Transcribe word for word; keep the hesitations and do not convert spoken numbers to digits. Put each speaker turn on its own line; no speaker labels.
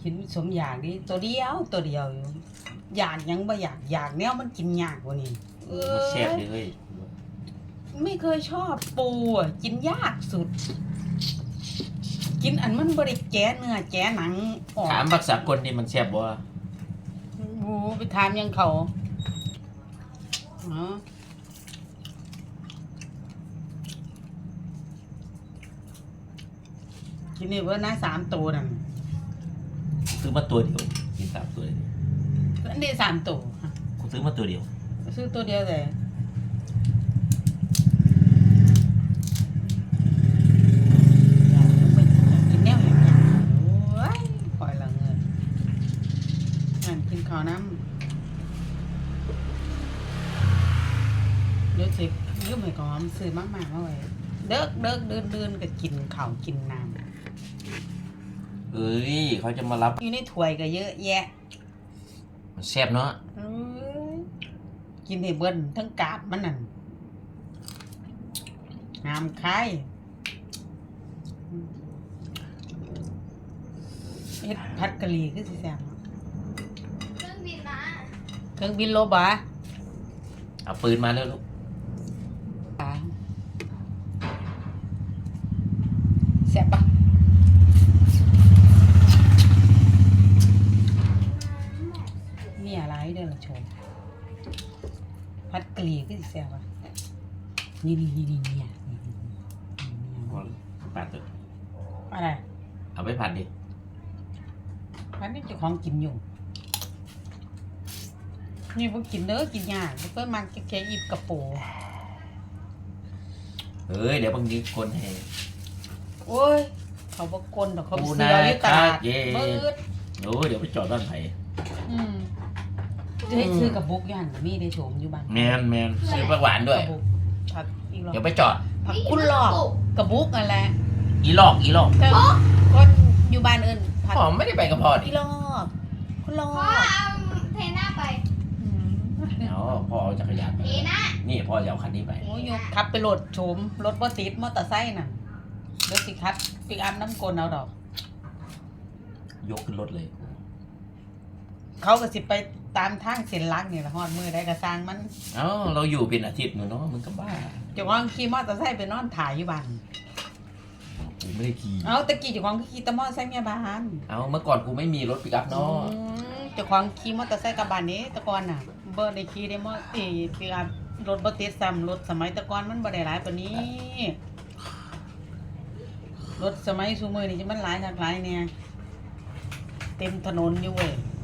กินสมอยากดิตัวเดียวตัวเดียวอยู่อยากยังบ่อยากอยากแนวมันกินยากกว่านี้เอ
มัน
อ
แซ่บเลยเฮ้ย
ไม่เคยชอบปูอ่ะกินยากสุด กินอันมันบริแกะเนื้อแกะหนังออก
ถามภาษากลนี่มันแซ่บบ่
บูไปถามยังเขาเนาะกินนี่เบอร์นะสามตัวนั่น
ซื้อมาตัวเดียวกินสามตัวเลย
อันนี้สามตัว
กูซื้อมาตัวเดียว
ซื้อตัวเดียวแต่กินแนวอย่างนี้โอ้ยปล่อยละเงินงานกินข้าวน้ำเดี๋ยวสิยืมให้ก่อนซื้อมากๆเอาไว้เดิกเดิกเดินเดินก็กินข้าวกินน้ำ
เอ้ยเขาจะมารับ
อยู่ในถ้วยก็เยอะแยะ
มันแซ่บเนาะ
เอ้ยกินให้เบิ้นทั้งกาบมันนั่นงามคายเฮ็ดผัดกะหรี่คือสิแซ่บเนาะ
เครื่องบินมา
เครื่องบินโลบะ
เอาปืนมาแล้วลูก
แซ่บปะมีอะไรเด้อล่ะโชมผัดกะหรี่คือสิแซ่บปะนี่นี่นี่นี่เนี่ยนี่นี่นี่
ผัดเถอะ
อะไร
เอาไปผัดดิ
ผัดนี่เจ้าของกินอยู่นี่พวกกินเด้อกินยากเพิ่นมันแค่อีบกระโปง
เอ้ยเดี๋ยวบางทีคนให้
โอ้ย เขาบอกกลดอกเขา
ปู
เสื
นา
ออยู่ตลาด
คาเย่
เบิด
โอ้ยเดี๋ยวไปจอดบ้านไผ่
อืมจะให้ซื้อกับบุกย่านกับมีได้โฉมอยู่บ้าน
แมนแมนซื้อปลาหวานด้วย
กับบุกผักอีกรอบ
เดี๋ยวไปจอด
ผักคุณหลอกกับบุกนั่นแหละ
อีหลอกอีหลอก
ก็คนอยู่บ้านอื่นผัก
พ่อไม่ได้ไปกับพ่อดิ
อีหลอกคุณหลอ
พ่อก เอาเทน่าไป
อืม
เอาพ่อเอาจักรยานไป
เทน่า
นี่พ่อจะเอาคันนี้ไป
โอ้ยยกขับไปโหลดโฉมรถบ่ติดมอเตอร์ไซค์น่ะเดี๋ยวสิคัดปิกอัพน้ำกลเอาดอก
ยกขึ้นรถเลย
เขาก็สิไปตามทางเส้นหลักนี่ล่ะฮอดมือได้ก็สร้างมัน
เอ้าเราอยู่เป็นอาทิตย์หนูเนาะมึงก็บ้า
เจ้าของขี่มอเตอร์ไซค์ไปนอนถ่ายอยู่บ้าน
กูไม่ได้ขี่
เอาตะกี้เจ้าของก็ขี่แตะมอเตอร์ไซค์เมียบ้าน
เอาเมื่อก่อนกูไม่มีรถปิกอัพเนาะ
อืมเจ้าของขี่มอเตอร์ไซค์กลับบ้านนี้แตะก่อนน่ะบ่ได้ขี่ได้มอเอ้ปิกอัพรถบ่ติดซ้ำรถสมัยแตะก่อนมันบ่ได้หลายปานนี้รถสมัยซุมื้อนี้จะมันหลายคักหลายแน่เต็มถนนอยู่เว้ย